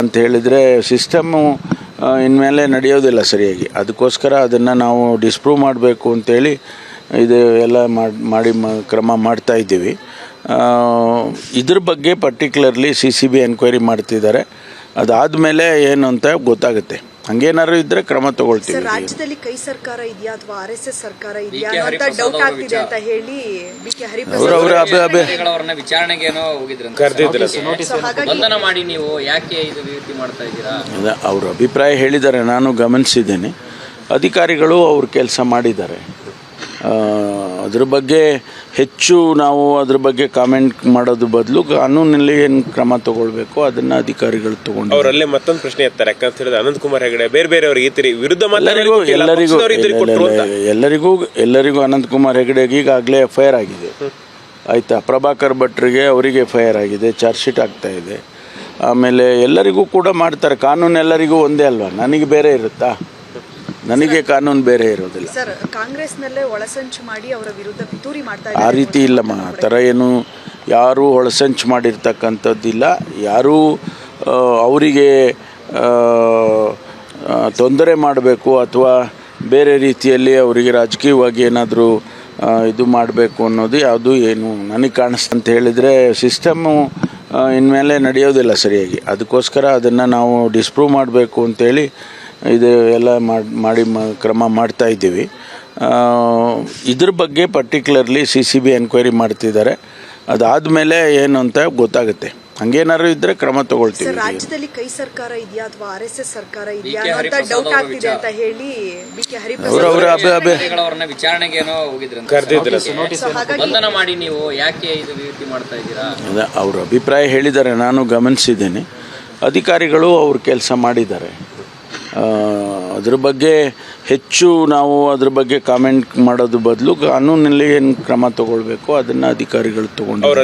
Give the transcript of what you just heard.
ಅಂತ ಹೇಳಿದರೆ ಸಿಸ್ಟಮ್ಮು ಇನ್ಮೇಲೆ ನಡೆಯೋದಿಲ್ಲ ಸರಿಯಾಗಿ. ಅದಕ್ಕೋಸ್ಕರ ಅದನ್ನು ನಾವು ಡಿಸ್ಪ್ರೂವ್ ಮಾಡಬೇಕು ಅಂತೇಳಿ ಇದು ಎಲ್ಲ ಕ್ರಮ ಮಾಡ್ತಾ ಇದ್ದೀವಿ. ಇದ್ರ ಬಗ್ಗೆ ಪರ್ಟಿಕ್ಯುಲರ್ಲಿ CCB ಎನ್ಕ್ವೈರಿ ಮಾಡ್ತಿದ್ದಾರೆ. ಅದಾದಮೇಲೆ ಏನು ಅಂತ ಗೊತ್ತಾಗುತ್ತೆ. ಹಂಗೇನಾದ್ರು ಇದ್ರೆ ಕ್ರಮ ತಗೊಳ್ತೀವಿ. ರಾಜ್ಯದಲ್ಲಿ ಕೈ ಸರ್ಕಾರ ಇದೆಯಾ ಅಥವಾ RSS ಸರ್ಕಾರ ಇದೆಯಾ ಅಂತ ಡೌಟ್ ಆಗ್ತಿದೆ ಅಂತ ಹೇಳಿ BK ಹರಿಪ್ರಸಾದ್ ವಿಚಾರಣೆಗೆ ಏನೋ ಬಂಧನ ಮಾಡಿ ನೀವು ಯಾಕೆ ಇದು ರೀತಿ ಮಾಡ್ತಾ ಇದ್ದೀರಾ? ಅವ್ರ ಅಭಿಪ್ರಾಯ ಹೇಳಿದ್ದಾರೆ, ನಾನು ಗಮನಿಸಿದ್ದೇನೆ. ಅಧಿಕಾರಿಗಳು ಅವ್ರ ಕೆಲಸ ಮಾಡಿದ್ದಾರೆ. ಅದ್ರ ಬಗ್ಗೆ ಹೆಚ್ಚು ನಾವು ಅದ್ರ ಬಗ್ಗೆ ಕಾಮೆಂಟ್ ಮಾಡೋದು ಬದಲು ಕಾನೂನಲ್ಲಿ ಏನು ಕ್ರಮ ತಗೊಳ್ಬೇಕು ಅದನ್ನ ಅಧಿಕಾರಿಗಳು ತಗೊಂಡು ಅವರಲ್ಲೇ ಮತ್ತೊಂದು ಪ್ರಶ್ನೆ ಎತ್ತಾರೆ. ಯಾಕಂತ ಹೇಳಿದ್ರೆ ಅನಂತಕುಮಾರ್ ಹೆಗಡೆ ಬೇರೆ ವಿರುದ್ಧ ಎಲ್ಲರಿಗೂ ಅನಂತಕುಮಾರ್ ಹೆಗಡೆಗೆ ಈಗಾಗಲೇ FIR ಆಗಿದೆ. ಆಯಿತಾ, ಪ್ರಭಾಕರ್ ಭಟ್ರಿಗೆ ಅವರಿಗೆ FIR ಆಗಿದೆ, ಚಾರ್ಜ್ ಶೀಟ್ ಆಗ್ತಾ ಇದೆ. ಆಮೇಲೆ ಎಲ್ಲರಿಗೂ ಕೂಡ ಮಾಡ್ತಾರೆ. ಕಾನೂನು ಎಲ್ಲರಿಗೂ ಒಂದೇ ಅಲ್ವಾ? ನನಗೆ ಬೇರೆ ಇರುತ್ತಾ? ನನಗೆ ಕಾನೂನು ಬೇರೆ ಇರೋದಿಲ್ಲ. ಸರ್, ಕಾಂಗ್ರೆಸ್ನಲ್ಲೇ ಒಳಸಂಚು ಮಾಡಿ ಅವರ ವಿರುದ್ಧ ಪಿತೂರಿ ಮಾಡ್ತಾ ಆ ರೀತಿ ಇಲ್ಲಮ್ಮ. ಆ ಥರ ಏನು ಯಾರೂ ಒಳಸಂಚು ಮಾಡಿರ್ತಕ್ಕಂಥದ್ದಿಲ್ಲ. ಯಾರೂ ಅವರಿಗೆ ತೊಂದರೆ ಮಾಡಬೇಕು ಅಥವಾ ಬೇರೆ ರೀತಿಯಲ್ಲಿ ಅವರಿಗೆ ರಾಜಕೀಯವಾಗಿ ಏನಾದರೂ ಇದು ಮಾಡಬೇಕು ಅನ್ನೋದು ಯಾವುದು ಏನು ನನಗೆ ಕಾಣಿಸ್ತು ಅಂತ ಹೇಳಿದರೆ ಸಿಸ್ಟಮ್ಮು ಇನ್ಮೇಲೆ ನಡೆಯೋದಿಲ್ಲ ಸರಿಯಾಗಿ. ಅದಕ್ಕೋಸ್ಕರ ಅದನ್ನು ನಾವು ಡಿಸ್ಪ್ರೂವ್ ಮಾಡಬೇಕು ಅಂತೇಳಿ ಇದು ಎಲ್ಲ ಕ್ರಮ ಮಾಡ್ತಾ ಇದ್ದೀವಿ. ಇದ್ರ ಬಗ್ಗೆ ಪರ್ಟಿಕ್ಯುಲರ್ಲಿ CCB ಎನ್ಕ್ವೈರಿ ಮಾಡ್ತಿದ್ದಾರೆ. ಅದಾದಮೇಲೆ ಏನು ಅಂತ ಗೊತ್ತಾಗುತ್ತೆ. ಹಂಗೇನಾದ್ರು ಇದ್ರೆ ಕ್ರಮ ತಗೊಳ್ತೀವಿ. ರಾಜ್ಯದಲ್ಲಿ ಕೈ ಸರ್ಕಾರ ಇದೆಯಾ ಅಥವಾ RSS ಸರ್ಕಾರ ಇದೆಯಾ ಅಂತ ಡೌಟ್ ಆಗ್ತಿದೆ ಅಂತ ಹೇಳಿ BK ಹರಿಪ್ರಸಾದ್ ವಿಚಾರಣೆಗೆ ಏನೋ ಬಂಧನ ಮಾಡಿ ನೀವು ಯಾಕೆ ಇದು ರೀತಿ ಮಾಡ್ತಾ ಇದ್ದೀರಾ? ಅವ್ರ ಅಭಿಪ್ರಾಯ ಹೇಳಿದ್ದಾರೆ, ನಾನು ಗಮನಿಸಿದ್ದೇನೆ. ಅಧಿಕಾರಿಗಳು ಅವ್ರ ಕೆಲಸ ಮಾಡಿದ್ದಾರೆ. ಅದ್ರ ಬಗ್ಗೆ ಹೆಚ್ಚು ನಾವು ಅದ್ರ ಬಗ್ಗೆ ಕಾಮೆಂಟ್ ಮಾಡೋದು ಬದಲು ಕಾನೂನಲ್ಲಿ ಏನು ಕ್ರಮ ತಗೊಳ್ಬೇಕು ಅದನ್ನು ಅಧಿಕಾರಿಗಳು ತಗೊಂಡು